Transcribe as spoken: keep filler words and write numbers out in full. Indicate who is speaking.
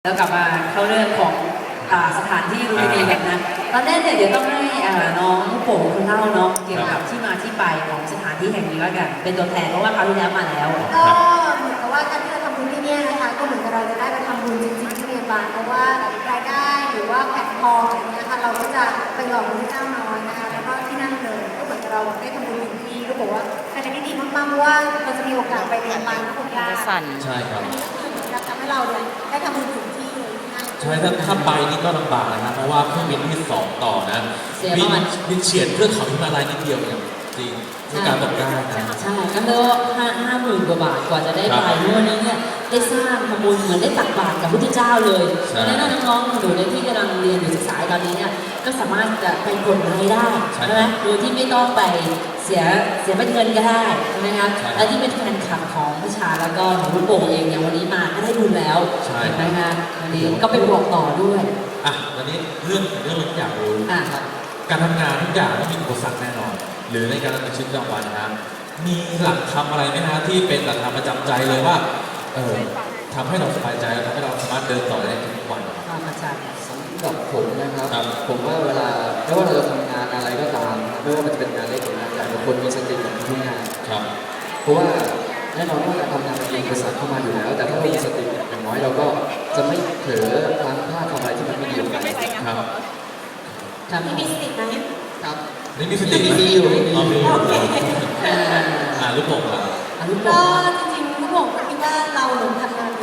Speaker 1: แล้วกลับมาเข้าเรื่องของอ่าสถานที่รีวิวกันนะตอนแรกเนี่ยเดี๋ยวต้องให้อ่าน้องโป๋คุณเล่าเนาะเกี่ยวกับที่มาที่ไปของสถานที่แห่งนี้แล้วกันเป็นตัวแทนเพราะว่าคราวที่แล้วมาแล้ว
Speaker 2: ก็เหมือนกับว่าการที่เราทำบุญที่นี่นะคะก็เหมือนกับเราจะได้ไปทำบุญจริงๆที่เมียนมาเพราะว่ารายได้หรือว่าแผ่นทองอะไรเงี้ยค่ะเราก็จะไปหล่อพระเจ้าน้อยนะคะแล้วก็ที่นั่นเลยก็เหมือนกับเราได้ทำบุญที่นี่ก็บอกว่าเป็นอะไรที่ดีมากๆเพราะว่าเราจะมีโอกาสไปเมียนมาและคนยาก
Speaker 3: ใช่ครับ
Speaker 2: ทำให้เราเนี่ยได้ทำบุญถึงที่เลยที่นั่น
Speaker 3: ใช่ถ้าถ้าไปนี่ก็ลำบากนะเพราะว่าเครื่องบินที่สองต่อนะบินบินเฉียดเทือกเขาฮิมาลัยนิดเดียวเนี่ยจริงที่การตกได้นะ
Speaker 1: ใช่กันเลยห้าห้าหมื่นกว่าบาทกว่าจะได้ไปเมื่อวันนี้เนี่ยได้สร้างทำบุญเหมือนได้ตักบาตรกับพระพุทธเจ้าเลยดังนั้นน้องๆหนูในที่กำลังเรียนอยู่ศึกษาตอนนี้เนี่ยก็สามารถจะไปกดรายได้ใช่ไหมโดยที่ไม่ต้องไปเสียเสียเป็นเงินก็ได้ใช่ไหมครับและที่เป็นแฟนคลับของพิชาแล้วก็ของลูกโป่งเองเนี่ยวันนี้มาก็ได้บุญแล้วเห็นไหมคะวันนี้ก็ไปบอกต่อด้วย
Speaker 3: อ่ะวันนี้เรื่องเรื่องที่อยากรู้
Speaker 1: อ่ะครับ
Speaker 3: การทำงานทุกอย่างต้องมีอุปสรรคแน่นอนหรือในการดำเนินชีวิตประจำวันนะมีหลักธรรมอะไรไหมฮะที่เป็นหลักธรรมประจำใจเลยว่าเออทำให้เราสบายใจทำให้เราสามารถเดินต่อได้ทุกวัน
Speaker 1: ครับอาจารย์
Speaker 4: สำหรับผมนะครับ
Speaker 3: ครับ
Speaker 4: ผมว่าเวลาไม่ว่าเราจะทำงานอะไรก็ตามไม่ว่ามันจะเป็นงานเล็กหรืองานใหญ่เราควรมีสติกับทุกงาน
Speaker 3: ครับ
Speaker 4: เพราะว่าแน่นอนว่าการทำงานมันมีอุปสรรคเข้ามาอยู่แล้ว แต่ถ้าเรามีสติอย่างน้อยเราก็จะไม่เผลอพลั้งพลาดทำอะไรที่มันไม่ดีออกไป
Speaker 3: ครับ
Speaker 1: ครับ
Speaker 2: มีสติไหม
Speaker 4: ครับ
Speaker 3: นี่มีสติไหม
Speaker 4: มีอยู่มี
Speaker 3: อ๋อมีอยู่
Speaker 1: อ่า
Speaker 3: อ่าลูกโป่งอ่ะ
Speaker 1: อันนี้บ
Speaker 2: ก็
Speaker 1: อก
Speaker 2: จ